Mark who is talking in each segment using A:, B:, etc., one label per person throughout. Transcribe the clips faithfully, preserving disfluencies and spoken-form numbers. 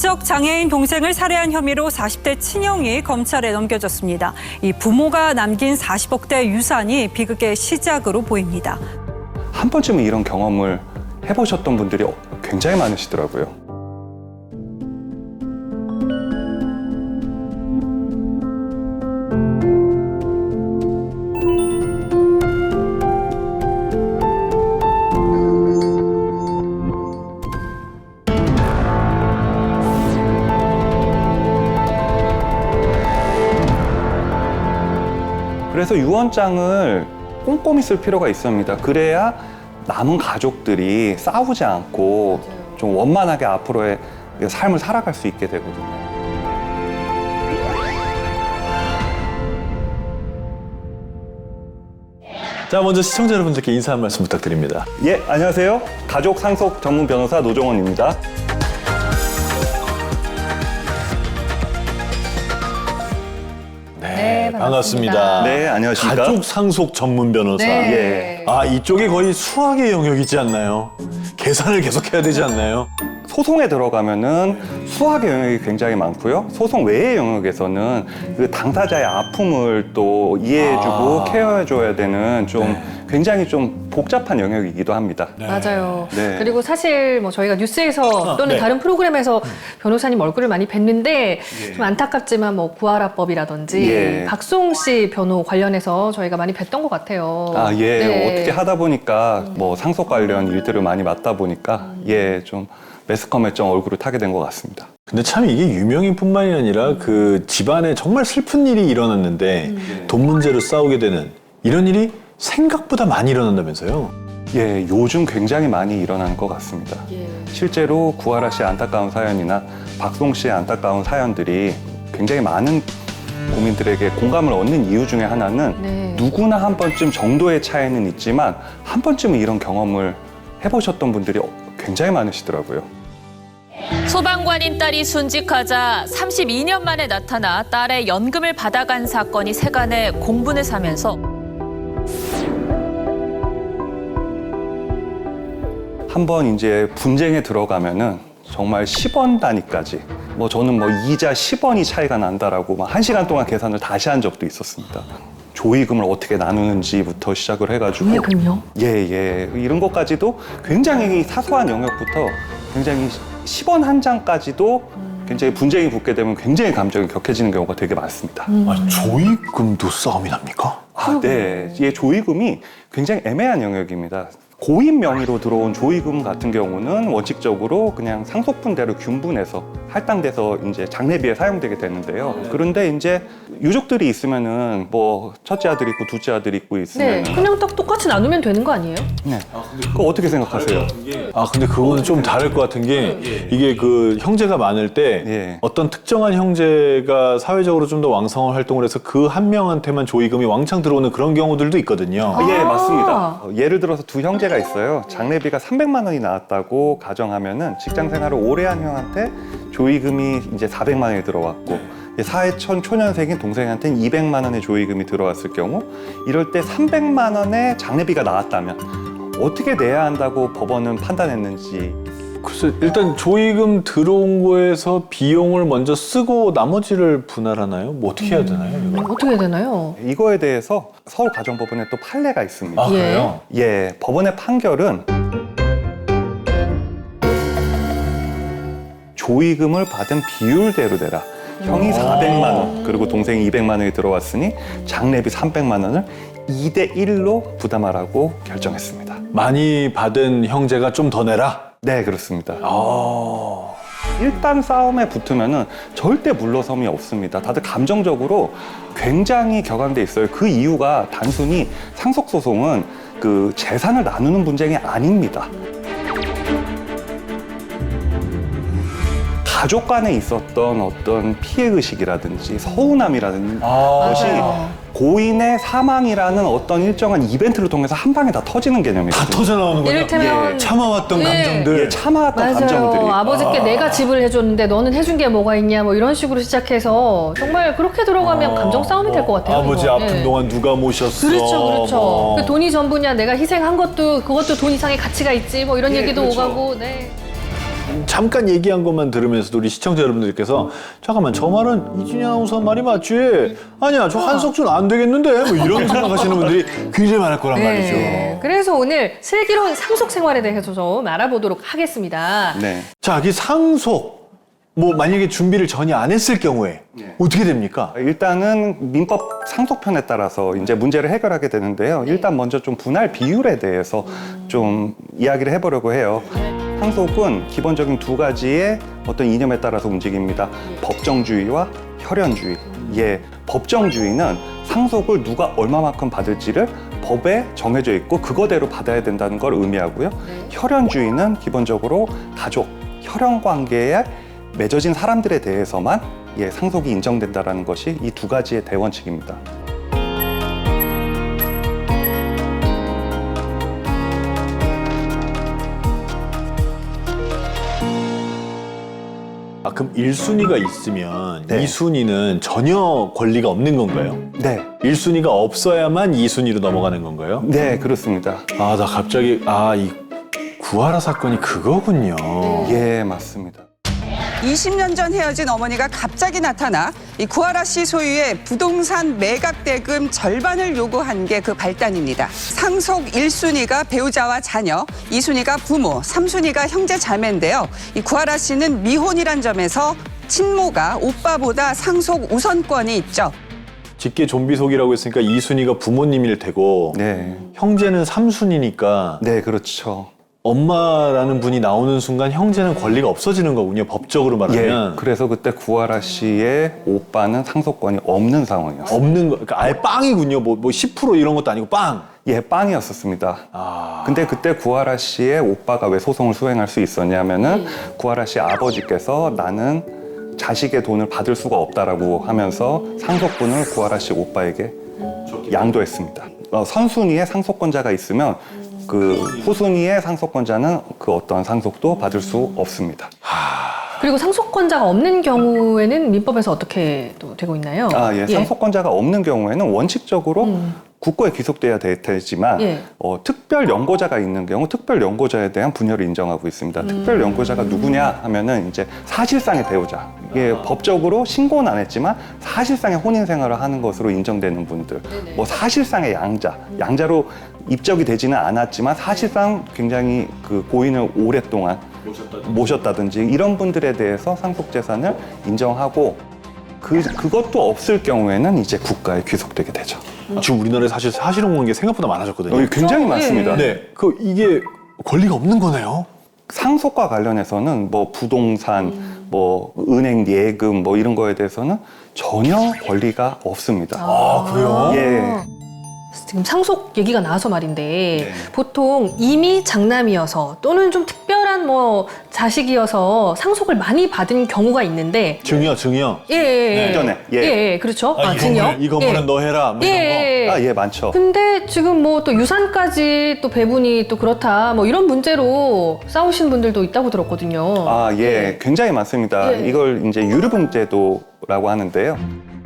A: 지적 장애인 동생을 살해한 혐의로 사십 대 친형이 검찰에 넘겨졌습니다. 이 부모가 남긴 사십억대 유산이 비극의 시작으로 보입니다.
B: 한 번쯤은 이런 경험을 해보셨던 분들이 굉장히 많으시더라고요. 그래서 유언장을 꼼꼼히 쓸 필요가 있습니다. 그래야 남은 가족들이 싸우지 않고 좀 원만하게 앞으로의 삶을 살아갈 수 있게 되거든요.
C: 자, 먼저 시청자 여러분들께 인사 한 말씀 부탁드립니다.
B: 예, 안녕하세요. 가족 상속 전문 변호사 노종원입니다.
C: 네,
D: 반갑습니다.
C: 반갑습니다.
B: 네, 안녕하십니까.
C: 가족 상속 전문 변호사.
D: 네.
B: 예.
C: 아, 이쪽이 거의 수학의 영역이지 않나요? 계산을 계속해야 되지 않나요?
B: 소송에 들어가면은 수학의 영역이 굉장히 많고요. 소송 외의 영역에서는 그 당사자의 아픔을 또 이해해주고
C: 아.
B: 케어해줘야 되는 좀
C: 네.
B: 굉장히 좀 복잡한 영역이기도 합니다.
C: 네.
D: 맞아요.
B: 네.
D: 그리고 사실 뭐 저희가 뉴스에서
C: 아,
D: 또는
C: 네.
D: 다른 프로그램에서 변호사님 얼굴을 많이 뵀는데 좀 안타깝지만 뭐 구하라법이라든지
B: 예.
D: 박수홍 씨 변호 관련해서 저희가 많이 뵀던 것 같아요.
B: 아, 예.
D: 네.
B: 어떻게 하다 보니까 뭐 상속 관련 일들을 많이 맡다 보니까 예, 좀 매스컴에 좀 얼굴을 타게 된 것 같습니다.
C: 근데 참 이게 유명인뿐만이 아니라 그 집안에 정말 슬픈 일이 일어났는데 돈 문제로 싸우게 되는 이런 일이 생각보다 많이 일어난다면서요?
B: 예, 요즘 굉장히 많이 일어나는 것 같습니다.
D: 예.
B: 실제로 구하라 씨의 안타까운 사연이나 박송 씨의 안타까운 사연들이 굉장히 많은 국민들에게 공감을 얻는 이유 중에 하나는
D: 네.
B: 누구나 한 번쯤 정도의 차이는 있지만 한 번쯤은 이런 경험을 해보셨던 분들이 굉장히 많으시더라고요.
E: 소방관인 딸이 순직하자 삼십이 년 만에 나타나 딸의 연금을 받아간 사건이 세간에 공분을 사면서
B: 한번 이제 분쟁에 들어가면은 정말 십 원 단위까지 뭐 저는 뭐 이자 십 원이 차이가 난다라고 막 한 시간 동안 계산을 다시 한 적도 있었습니다. 조의금을 어떻게 나누는지부터 시작을 해가지고
D: 조의금요?
B: 예, 예. 이런 것까지도 굉장히 사소한 영역부터 굉장히 십 원 한 장까지도 굉장히 분쟁이 붙게 되면 굉장히 감정이 격해지는 경우가 되게 많습니다.
C: 아, 조의금도 싸움이 납니까?
B: 아, 네. 이 조의금이 굉장히 애매한 영역입니다. 고인 명의로 들어온 조의금 같은 경우는 원칙적으로 그냥 상속분대로 균분해서 할당돼서 이제 장례비에 사용되게 되는데요. 그런데 이제 유족들이 있으면은 뭐 첫째 아들 있고 둘째 아들 있고
D: 네.
B: 있으면
D: 그냥 딱 똑같이 나누면 되는 거 아니에요?
B: 네. 그거 어떻게 생각하세요?
C: 아, 근데 그거는 좀 다를 것 같은 게 이게 그 형제가 많을 때
B: 예.
C: 어떤 특정한 형제가 사회적으로 좀 더 왕성한 활동을 해서 그 한 명한테만 조의금이 왕창 들어오는 그런 경우들도 있거든요.
B: 예,
D: 아.
B: 맞습니다. 어, 예를 들어서 두 형제가 있어요. 장례비가 삼백만 원이 나왔다고 가정하면은 직장 생활을 오래 한 형한테 조의금이 이제 사백만 원이 들어왔고 사회천 초년생인 동생한테는 이백만 원의 조의금이 들어왔을 경우 이럴 때 삼백만 원의 장례비가 나왔다면 어떻게 내야 한다고 법원은 판단했는지
C: 글쎄, 일단 조의금 들어온 거에서 비용을 먼저 쓰고 나머지를 분할하나요? 뭐 어떻게 해야 되나요? 이거?
D: 어떻게 해야 되나요?
B: 이거에 대해서 서울가정법원에 또 판례가 있습니다.
C: 아, 그래요?
B: 예, 법원의 판결은 조의금을 받은 비율대로 내라. 형이 사백만 원, 그리고 동생이 이백만 원이 들어왔으니 장례비 삼백만 원을 이 대 일로 부담하라고 결정했습니다.
C: 많이 받은 형제가 좀 더 내라?
B: 네, 그렇습니다.
C: 아...
B: 일단 싸움에 붙으면은 절대 물러섬이 없습니다. 다들 감정적으로 굉장히 격앙돼 있어요. 그 이유가 단순히 상속소송은 그 재산을 나누는 분쟁이 아닙니다. 가족 간에 있었던 어떤 피해의식이라든지 서운함이라든지
C: 아,
B: 것이
D: 맞아요.
B: 고인의 사망이라는 어떤 일정한 이벤트를 통해서 한 방에 다 터지는
C: 다
B: 개념이거든요.
C: 터져 나오는군요.
D: 이를테면
B: 예.
C: 참아왔던
D: 예.
C: 감정들.
B: 예, 참아왔던
D: 맞아요.
B: 감정들이
D: 아버지께
C: 아.
D: 내가 집을 해줬는데 너는 해준 게 뭐가 있냐 뭐 이런 식으로 시작해서 정말 그렇게 들어가면
C: 어,
D: 감정 싸움이 될 것 같아요.
C: 아버지
D: 이거.
C: 아픈
D: 예.
C: 동안 누가 모셨어?
D: 그렇죠, 그렇죠.
C: 뭐.
D: 그 돈이 전부냐, 내가 희생한 것도 그것도 돈 이상의 가치가 있지, 뭐 이런
B: 예,
D: 얘기도
B: 그렇죠.
D: 오가고, 네.
C: 잠깐 얘기한 것만 들으면서도 우리 시청자 여러분들께서 잠깐만 저 말은 이진희 아나운서 말이 맞지? 아니야 저 한석준 안 되겠는데? 뭐 이런 생각하시는 분들이 굉장히 많을 거란 말이죠.
D: 네. 그래서 오늘 슬기로운 상속 생활에 대해서 좀 알아보도록 하겠습니다.
B: 네.
C: 자, 이 상속 뭐 만약에 준비를 전혀 안 했을 경우에
B: 네.
C: 어떻게 됩니까?
B: 일단은 민법 상속편에 따라서 이제 문제를 해결하게 되는데요. 일단 먼저 좀 분할 비율에 대해서 좀 이야기를 해보려고 해요. 상속은 기본적인 두 가지의 어떤 이념에 따라서 움직입니다. 법정주의와 혈연주의. 예, 법정주의는 상속을 누가 얼마만큼 받을지를 법에 정해져 있고 그거대로 받아야 된다는 걸 의미하고요. 혈연주의는 기본적으로 가족, 혈연 관계에 맺어진 사람들에 대해서만 예, 상속이 인정된다는 것이 이 두 가지의 대원칙입니다.
C: 아, 그럼 일 순위가 있으면
B: 네.
C: 이 순위는 전혀 권리가 없는 건가요?
B: 네,
C: 일 순위가 없어야만 이 순위로 넘어가는 건가요?
B: 네, 그렇습니다.
C: 아, 나 갑자기 아, 이 구하라 사건이 그거군요.
B: 예, 맞습니다.
F: 이십 년 전 헤어진 어머니가 갑자기 나타나 이 구하라 씨 소유의 부동산 매각 대금 절반을 요구한 게 그 발단입니다. 상속 일 순위가 배우자와 자녀, 이 순위가 부모, 삼 순위가 형제 자매인데요. 이 구하라 씨는 미혼이란 점에서 친모가 오빠보다 상속 우선권이 있죠.
C: 직계 좀비속이라고 했으니까 이 순위가 부모님일 테고
B: 네,
C: 형제는 삼 순위니까
B: 네, 그렇죠.
C: 엄마라는 분이 나오는 순간 형제는 권리가 없어지는 거군요. 법적으로 말하면.
B: 예, 그래서 그때 구하라 씨의 오빠는 상속권이 없는 상황이었어요.
C: 없는 거, 그러니까 아예 빵이군요. 뭐, 뭐 십 퍼센트 이런 것도 아니고 빵.
B: 예, 빵이었었습니다.
C: 아.
B: 근데 그때 구하라 씨의 오빠가 왜 소송을 수행할 수 있었냐면은 구하라 씨 아버지께서 나는 자식의 돈을 받을 수가 없다라고 하면서 상속분을 구하라 씨 오빠에게 양도했습니다. 어, 선순위의 상속권자가 있으면 그 후순위의 상속권자는 그 어떤 상속도 받을 수 없습니다.
D: 그리고 상속권자가 없는 경우에는 민법에서 어떻게 또 되고 있나요?
B: 아, 예. 상속권자가 없는 경우에는 원칙적으로
D: 음.
B: 국고에 귀속돼야 되, 되지만
D: 예.
B: 어, 특별 연고자가 있는 경우 특별 연고자에 대한 분열을 인정하고 있습니다.
D: 음.
B: 특별 연고자가 누구냐 하면은 이제 사실상의 배우자. 이게 법적으로 신고는 안 했지만 사실상의 혼인 생활을 하는 것으로 인정되는 분들. 뭐 사실상의 양자. 양자로 입적이 되지는 않았지만 사실상 굉장히 그 고인을 오랫동안 모셨다든지 이런 분들에 대해서 상속 재산을 인정하고 그 그것도 없을 경우에는 이제 국가에 귀속되게 되죠.
C: 지금 우리나라에 사실 사실혼 관계 생각보다 많아졌거든요.
B: 어, 굉장히
D: 예.
B: 많습니다.
C: 네. 그 이게 권리가 없는 거네요.
B: 상속과 관련해서는 뭐 부동산, 뭐 은행 예금 뭐 이런 거에 대해서는 전혀 권리가 없습니다.
C: 아, 그래요?
B: 예.
D: 지금 상속 얘기가 나와서 말인데
B: 네.
D: 보통 이미 장남이어서 또는 좀 특별한 뭐 자식이어서 상속을 많이 받은 경우가 있는데
C: 증여, 증여.
D: 예, 예,
B: 이전에, 예.
D: 예, 예, 그렇죠.
C: 아, 이
D: 증여.
C: 건물, 이 건물은
D: 예.
C: 너 해라. 뭐
D: 예,
C: 이런 거.
D: 예.
B: 아, 예, 많죠.
D: 근데 지금 뭐 또 유산까지 또 배분이 또 그렇다 뭐 이런 문제로 싸우신 분들도 있다고 들었거든요.
B: 아, 예, 굉장히 많습니다.
D: 예.
B: 이걸 이제 유류분 제도라고 하는데요.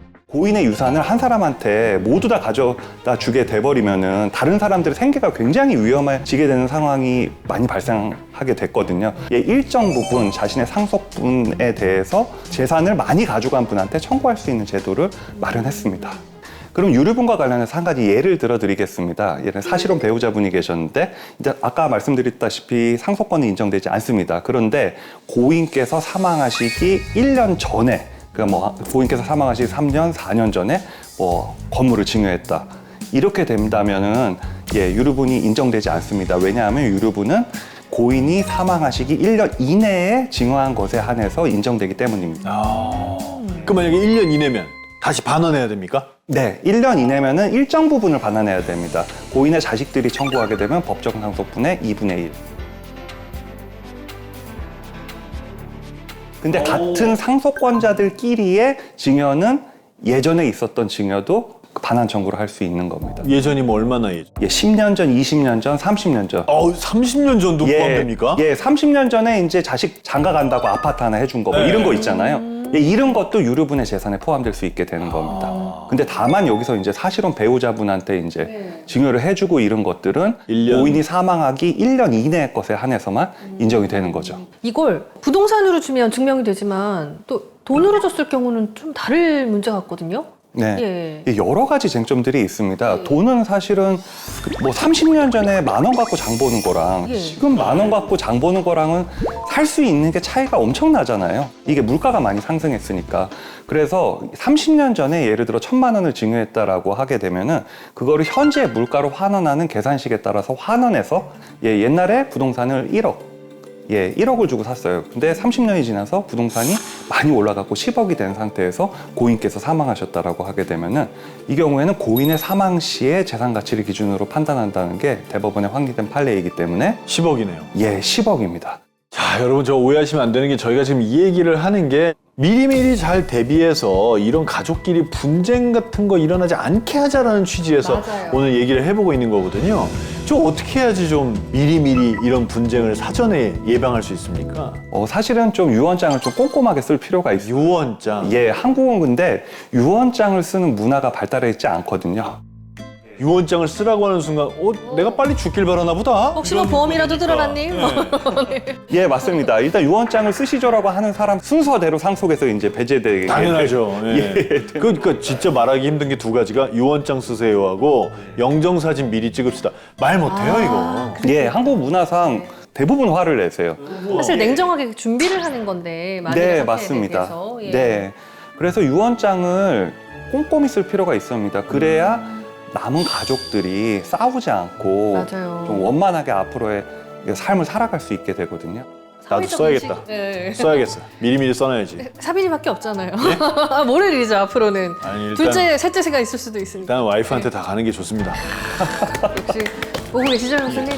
B: 고인의 유산을 한 사람한테 모두 다 가져다 주게 돼버리면은 다른 사람들의 생계가 굉장히 위험해지게 되는 상황이 많이 발생하게 됐거든요. 예, 일정 부분 자신의 상속분에 대해서 재산을 많이 가져간 분한테 청구할 수 있는 제도를 마련했습니다. 그럼 유류분과 관련해서 한 가지 예를 들어 드리겠습니다. 예를 들어 사실혼 배우자분이 계셨는데 이제 아까 말씀드렸다시피 상속권이 인정되지 않습니다. 그런데 고인께서 사망하시기 일 년 전에 그러니까 뭐 고인께서 사망하시기 삼 년, 사 년 전에 뭐 건물을 증여했다. 이렇게 된다면은 예, 유류분이 인정되지 않습니다. 왜냐하면 유류분은 고인이 사망하시기 일 년 이내에 증여한 것에 한해서 인정되기 때문입니다.
C: 아. 그 만약에 일 년 이내면 다시 반환해야 됩니까?
B: 네, 일 년 이내면은 일정 부분을 반환해야 됩니다. 고인의 자식들이 청구하게 되면 법정 상속분의 이분의 일. 근데
C: 오.
B: 같은 상속권자들끼리의 증여는 예전에 있었던 증여도 반환 청구를 할 수 있는 겁니다.
C: 예전이 뭐 얼마나 예전?
B: 예, 십 년 전, 이십 년 전, 삼십 년 전.
C: 어, 삼십 년 전도 포함됩니까?
B: 예, 삼십 년 전에 이제 자식 장가 간다고 아파트 하나 해준 거 뭐
C: 네.
B: 이런 거 있잖아요. 예, 이런 것도 유류분의 재산에 포함될 수 있게 되는 겁니다. 근데 다만 여기서 이제 사실은 배우자분한테 이제
D: 네.
B: 증여를 해주고 이런 것들은
C: 일 년.
B: 고인이 사망하기 일 년 이내의 것에 한해서만 인정이 되는 거죠.
D: 이걸 부동산으로 주면 증명이 되지만 또 돈으로 줬을 경우는 좀 다를 문제 같거든요.
B: 네.
D: 예.
B: 여러 가지 쟁점들이 있습니다.
D: 네.
B: 돈은 사실은 뭐 삼십 년 전에 만 원 갖고 장 보는 거랑
D: 예.
B: 지금 만 원 갖고 장 보는 거랑은 살 수 있는 게 차이가 엄청나잖아요. 이게 물가가 많이 상승했으니까. 그래서 삼십 년 전에 예를 들어 천만 원을 증여했다라고 하게 되면은 그거를 현재 물가로 환원하는 계산식에 따라서 환원해서 예, 옛날에 부동산을 일억 예, 일억을 주고 샀어요. 근데 삼십 년이 지나서 부동산이 많이 올라갔고 십억이 된 상태에서 고인께서 사망하셨다라고 하게 되면은 이 경우에는 고인의 사망 시의 재산 가치를 기준으로 판단한다는 게 대법원의 확립된 판례이기 때문에
C: 십억이네요.
B: 예, 십억입니다.
C: 자, 여러분 저 오해하시면 안 되는 게 저희가 지금 이 얘기를 하는 게 미리미리 잘 대비해서 이런 가족끼리 분쟁 같은 거 일어나지 않게 하자라는 취지에서
D: 맞아요.
C: 오늘 얘기를 해보고 있는 거거든요. 저 어떻게 해야지 좀 미리미리 이런 분쟁을 사전에 예방할 수 있습니까?
B: 어, 사실은 좀 유언장을 좀 꼼꼼하게 쓸 필요가 있어요.
C: 유언장.
B: 예, 한국은 근데 유언장을 쓰는 문화가 발달해 있지 않거든요.
C: 유언장을 쓰라고 하는 순간 어, 내가 빨리 죽길 바라나 보다.
D: 혹시 뭐 보험이라도 들어놨니? 뭐.
B: 예, 맞습니다. 일단 유언장을 쓰시죠라고 하는 사람 순서대로 상속에서 이제 배제되게
C: 당연하죠. 예. 그, 그러니까 진짜 말하기 힘든 게 두 가지가 유언장 쓰세요 하고 영정사진 미리 찍읍시다. 말 못해요 이거.
B: 예, 한국 문화상 대부분 화를 내세요.
D: 사실 냉정하게 준비를 하는 건데 많이
B: 네,
D: 상태에
B: 맞습니다.
D: 대해서. 예.
B: 네. 그래서 유언장을 꼼꼼히 쓸 필요가 있습니다. 그래야 남은 가족들이 싸우지 않고
D: 맞아요.
B: 좀 원만하게 앞으로의 삶을 살아갈 수 있게 되거든요.
C: 나도
D: 사회적
C: 써야겠다.
D: 인식- 예.
C: 써야겠어. 미리미리 써놔야지.
D: 사빈이밖에 없잖아요. 모를 일이죠 앞으로는.
C: 아니, 일단-
D: 둘째, 셋째가 있을 수도 있으니까.
C: 일단 와이프한테 다 가는 게 좋습니다.
D: 역시 보고 계시죠, 형수님?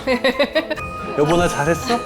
B: 여보 나 잘했어?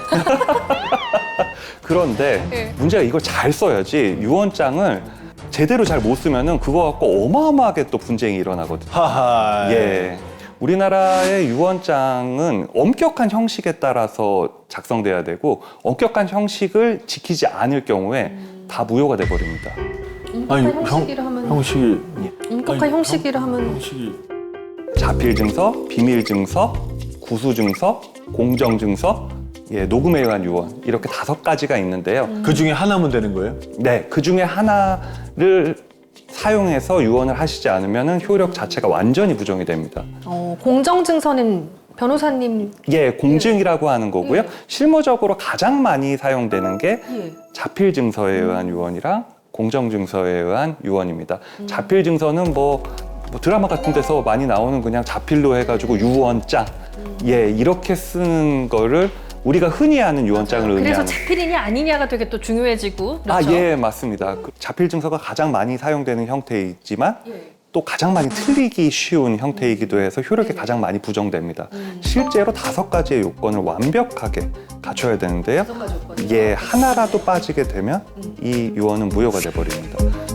B: 그런데
D: 네.
B: 문제가 이걸 잘 써야지 유언장을 제대로 잘 못 쓰면은 그거 갖고 어마어마하게 또 분쟁이 일어나거든요.
C: 하하.
B: 예. 우리나라의 유언장은 엄격한 형식에 따라서 작성돼야 되고 엄격한 형식을 지키지 않을 경우에 다 무효가 돼 버립니다.
C: 아니
D: 엄격한
C: 형
D: 형식이라 하면
C: 형식이
D: 엄격한
C: 아니,
D: 형식이라 하면
C: 형식이
B: 자필 증서, 비밀 증서, 구수 증서, 공정 증서, 예, 녹음에 의한 유언 이렇게 다섯 가지가 있는데요.
C: 그 중에 하나면 되는 거예요?
B: 네, 그 중에 하나를 사용해서 유언을 하시지 않으면 효력 자체가 완전히 부정이 됩니다.
D: 어, 공정증서는 변호사님
B: 예, 공증이라고 하는 거고요.
D: 예.
B: 실무적으로 가장 많이 사용되는 게
D: 예.
B: 자필 증서에 의한 유언이랑 공정 증서에 의한 유언입니다. 자필 증서는 뭐, 뭐 드라마 같은 데서 많이 나오는 그냥 자필로 해가지고 유언장, 예, 이렇게 쓰는 거를 우리가 흔히 아는 유언장을
D: 그래서
B: 의미하는.
D: 자필이냐 아니냐가 되게 또 중요해지고
B: 아,
D: 그렇죠?
B: 예, 맞습니다. 그 자필 증서가 가장 많이 사용되는 형태이지만
D: 예.
B: 또 가장 많이 틀리기 쉬운 형태이기도 해서 효력이 가장 많이 부정됩니다. 실제로 다섯 가지의 요건을 완벽하게 갖춰야 되는데요.
D: 다섯 가지 요건이요?
B: 예, 하나라도 빠지게 되면 이 유언은 무효가 돼 버립니다.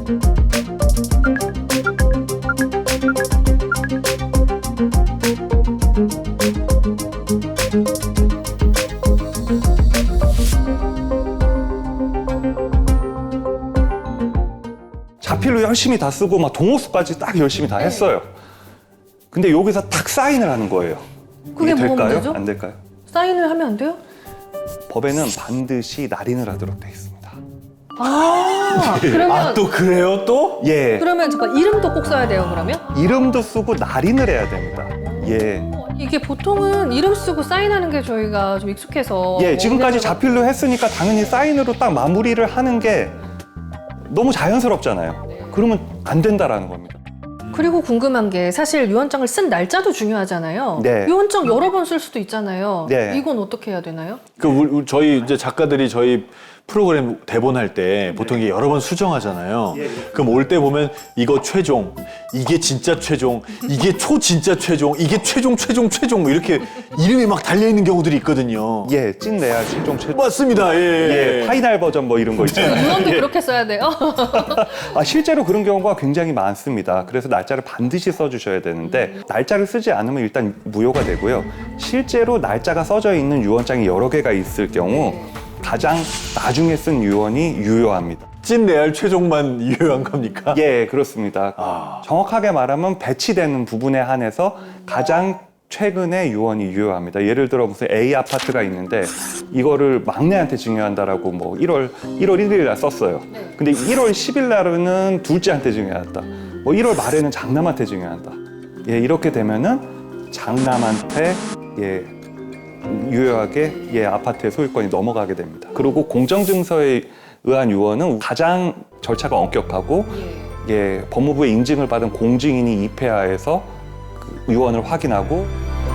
B: 자필로 열심히 다 쓰고 막 동호수까지 딱 열심히 다 했어요. 근데 여기서 딱 사인을 하는 거예요.
D: 그게
B: 이게
D: 뭐가
B: 될까요?
D: 문제죠?
B: 안 될까요?
D: 사인을 하면 안 돼요?
B: 법에는 반드시 날인을 하도록 돼 있습니다.
D: 아, 그러면
C: 아 또 그래요 또?
B: 예,
D: 그러면 잠깐 이름도 꼭 써야 돼요, 그러면?
B: 이름도 쓰고 날인을 해야 됩니다. 예,
D: 이게 보통은 이름 쓰고 사인하는 게 저희가 좀 익숙해서
B: 예, 지금까지
D: 뭐
B: 자필로 했으니까 당연히 사인으로 딱 마무리를 하는 게 너무 자연스럽잖아요. 그러면 안 된다라는 겁니다.
D: 그리고 궁금한 게 사실 유언장을 쓴 날짜도 중요하잖아요.
B: 네.
D: 유언장 여러 번 쓸 수도 있잖아요.
B: 네.
D: 이건 어떻게 해야 되나요?
C: 그 우리, 우리 저희 이제 작가들이 저희 프로그램 대본 할 때 보통 이게 여러 번 수정하잖아요. 그럼 올 때 보면 이거 최종, 이게 진짜 최종, 이게 초 진짜 최종, 이게 최종 최종 최종 뭐 이렇게 이름이 막 달려 있는 경우들이 있거든요.
B: 예, 찐 내야 최종 최종.
C: 맞습니다. 예.
B: 예, 파이널 버전 뭐 이런 거 있잖아요.
D: 유언도 그렇게 써야 돼요?
B: 아, 실제로 그런 경우가 굉장히 많습니다. 그래서 날짜를 반드시 써주셔야 되는데 날짜를 쓰지 않으면 일단 무효가 되고요. 실제로 날짜가 써져 있는 유언장이 여러 개가 있을 경우 가장 나중에 쓴 유언이 유효합니다.
C: 찐 레알 최종만 유효한 겁니까?
B: 예, 그렇습니다.
C: 아.
B: 정확하게 말하면 배치되는 부분에 한해서 가장 최근에 유언이 유효합니다. 예를 들어 무슨 A 아파트가 있는데 이거를 막내한테 증여한다라고 뭐 일월 일월 일일 날 썼어요. 근데 일월 십일 날은 둘째한테 증여한다. 뭐 일월 말에는 장남한테 증여한다. 예, 이렇게 되면은 장남한테 예 유효하게 예 아파트의 소유권이 넘어가게 됩니다. 그리고 공정증서에 의한 유언은 가장 절차가 엄격하고 예 법무부의 인증을 받은 공증인이 입회하에서 그 유언을 확인하고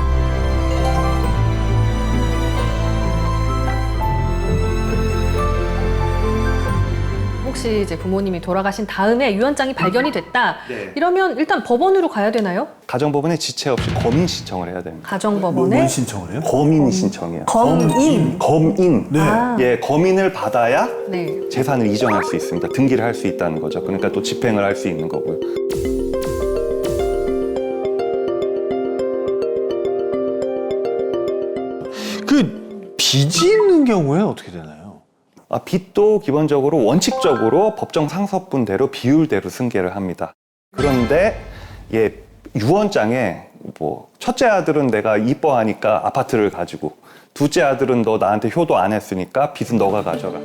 D: 혹시 이제 부모님이 돌아가신 다음에 유언장이 발견이 됐다.
B: 네.
D: 이러면 일단 법원으로 가야 되나요?
B: 가정법원에 지체 없이 검인 신청을 해야 됩니다.
D: 가정법원에
C: 뭔 신청을 해요?
B: 검인 신청이요.
D: 검인.
B: 검인.
C: 네.
D: 아.
B: 예, 검인을 받아야
D: 네.
B: 재산을 이전할 수 있습니다. 등기를 할 수 있다는 거죠. 그러니까 또 집행을 할 수 있는 거고요.
C: 그 빚이 있는 경우에 어떻게 되나요?
B: 아, 빚도 기본적으로 원칙적으로 법정 상서분대로 비율대로 승계를 합니다. 그런데 예, 유언장에 뭐 첫째 아들은 내가 이뻐하니까 아파트를 가지고 둘째 아들은 너 나한테 효도 안 했으니까 빚은 너가 가져가.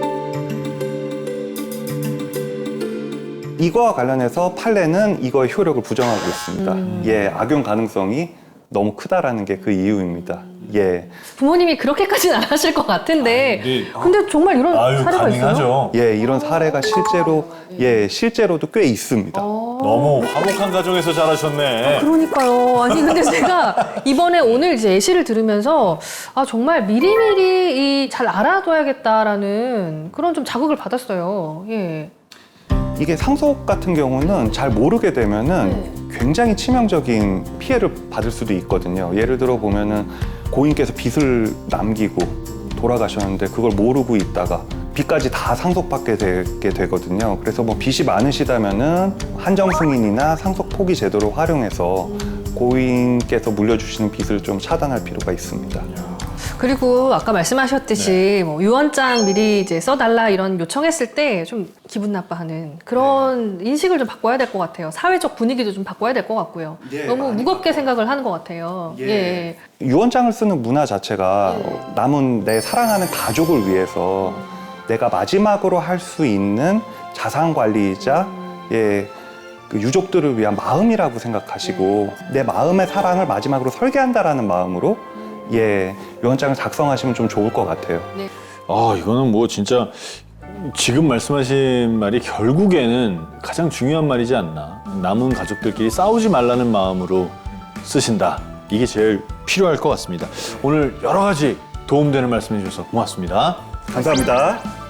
B: 이거와 관련해서 판례는 이거의 효력을 부정하고 있습니다.
D: 음.
B: 예, 악용 가능성이 너무 크다라는 게 그 이유입니다. 예,
D: 부모님이 그렇게까지는 안 하실 것 같은데.
C: 근데-
D: 근데 정말 이런
C: 아유,
D: 사례가 있어요?
C: 가능하죠.
B: 예, 이런 사례가 실제로 예, 실제로도 꽤 있습니다.
D: 어.
C: 너무 화목한 가정에서 자라셨네.
D: 그러니까요. 아니 근데 제가 이번에 오늘 이제 예시를 들으면서 아 정말 미리미리 이 잘 알아둬야겠다라는 그런 좀 자극을 받았어요. 예.
B: 이게 상속 같은 경우는 잘 모르게 되면은 굉장히 치명적인 피해를 받을 수도 있거든요. 예를 들어 보면은 고인께서 빚을 남기고 돌아가셨는데 그걸 모르고 있다가 빚까지 다 상속받게 되게 되거든요. 그래서 뭐 빚이 많으시다면은 한정 승인이나 상속 포기 제도를 활용해서 고인께서 물려주시는 빚을 좀 차단할 필요가 있습니다.
D: 그리고 아까 말씀하셨듯이 뭐 유언장 미리 이제 써달라 이런 요청했을 때 좀 기분 나빠하는 그런 인식을 좀 바꿔야 될 것 같아요. 사회적 분위기도 좀 바꿔야 될 것 같고요.
B: 예,
D: 너무
B: 많이
D: 무겁게 생각을 하는 것 같아요. 예.
B: 유언장을 쓰는 문화 자체가 남은 내 사랑하는 가족을 위해서 내가 마지막으로 할 수 있는 자산 관리이자 예, 그 유족들을 위한 마음이라고 생각하시고 내 마음의 사랑을 마지막으로 설계한다라는 마음으로 예, 유언장을 작성하시면 좀 좋을 것 같아요.
C: 아, 이거는 뭐 진짜 지금 말씀하신 말이 결국에는 가장 중요한 말이지 않나. 남은 가족들끼리 싸우지 말라는 마음으로 쓰신다. 이게 제일 필요할 것 같습니다. 오늘 여러 가지 도움되는 말씀 해주셔서 고맙습니다.
B: 감사합니다.